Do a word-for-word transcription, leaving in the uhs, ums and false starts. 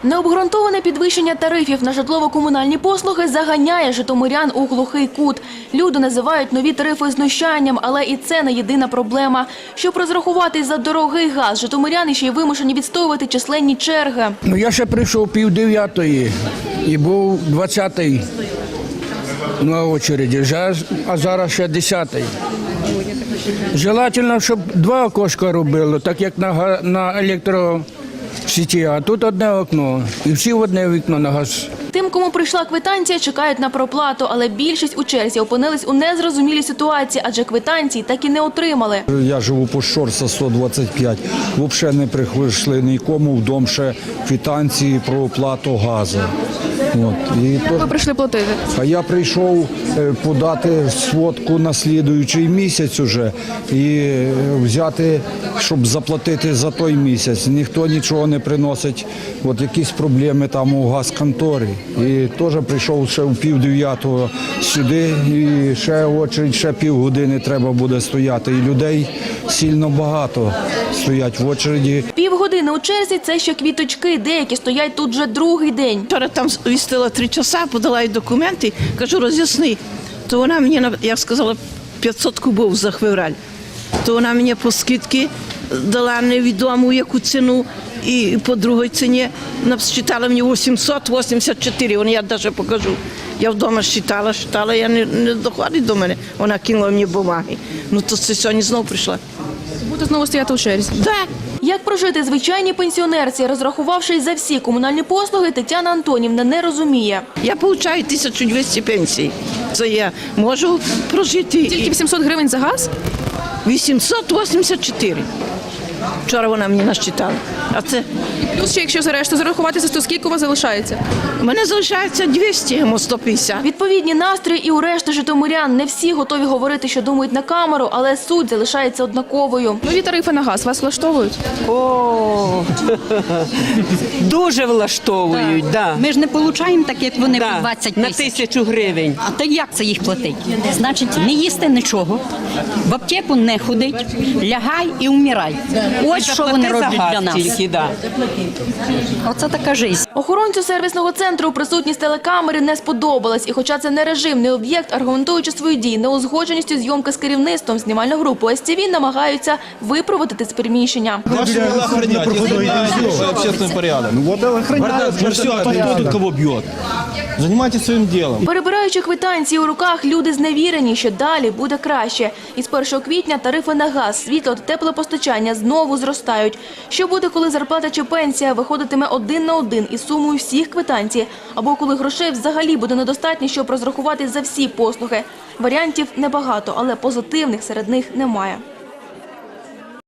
Необґрунтоване підвищення тарифів на житлово-комунальні послуги заганяє житомирян у глухий кут. Люди називають нові тарифи знущанням, але і це не єдина проблема. Щоб розрахуватись за дорогий газ, житомиряни ще й вимушені відстоювати численні черги. Ну, я ще прийшов пів дев'ятої і був двадцятий на очереді, а зараз ще десятий. Желательно, щоб два окошка робило, так як на, на електросеті, а тут одне окно. І всі в одне вікно на газ. Тим, кому прийшла квитанція, чекають на проплату, але більшість у черзі опинились у незрозумілій ситуації, адже квитанції так і не отримали. Я живу по Щорса сто двадцять п'ять. Взагалі не прийшли нікому в дом ще квитанції про оплату газу. От. І Як ви прийшли платити? А я прийшов подати сводку на слідуючий місяць уже і взяти, щоб заплатити за той місяць. Ніхто нічого не приносить. От якісь проблеми там у газконторі. І теж прийшов ще в пів дев'ятого сюди, і ще очередь, ще півгодини треба буде стояти. І людей сильно багато стоять в очереді. Півгодини у черзі – це ще квіточки, деякі стоять тут вже другий день. Вчора там вістила три часа, подала їй документи, кажу, роз'ясни. То вона мені, як сказала, п'ятсот кубів за февраль. То вона мені по скидці дала невідому яку ціну, і по другій ціні насчитала мені вісімсот вісімдесят чотири, вона я навіть покажу. Я вдома считала, считала, я не, не доходить до мене. Вона кинула мені бумаги. Ну то це сьогодні знову прийшла. Буде знову стояти у черзі? Так. Як прожити звичайній пенсіонерці, розрахувавшись за всі комунальні послуги, Тетяна Антонівна не розуміє. Я отримую тисячу двісті пенсій. Це я можу прожити. Тільки вісімсот гривень за газ? вісімсот вісімдесят чотири. Вчора вона мені насчитала. А це Плюс ще, якщо за решту зарахуватися, то скільки у вас залишається? у мене залишається двісті, йому сто п'ятдесят. Відповідні настрої і у решти житомирян. Не всі готові говорити, що думають на камеру, але суть залишається однаковою. Нові тарифи на газ вас влаштовують? О, дуже влаштовують, да. Ми ж не отримуємо так, як вони, Да, по двадцять на тисяч. тисячу гривень. А то як це їх платить? Значить, не їсти нічого, в аптеку не ходить, лягай і вмирай. Ось що вони Заплати за роблять газ для нас. тільки, да. Оце така життя. Охоронцю сервісного центру присутність телекамери не сподобалась. І хоча це не режимний об'єкт, аргументуючи свої дії неузгодженістю зйомки з керівництвом, знімальну групу ес ті ві намагаються випроводити з приміщення. Ваши дела охранять, общественный порядок. Ну вот охраняют. Ну все, кто тут кого бьет? Занимайтесь своим делом. Перебираючи квитанції у руках, люди зневірені, що далі буде краще. І з першого квітня тарифи на газ, світло та теплопостачання знову зростають. Що буде, коли зарплата чи пенсія виходитиме один на один із сумою всіх квитанцій? Або коли грошей взагалі буде недостатньо, щоб розрахуватись за всі послуги? Варіантів небагато, але позитивних серед них немає.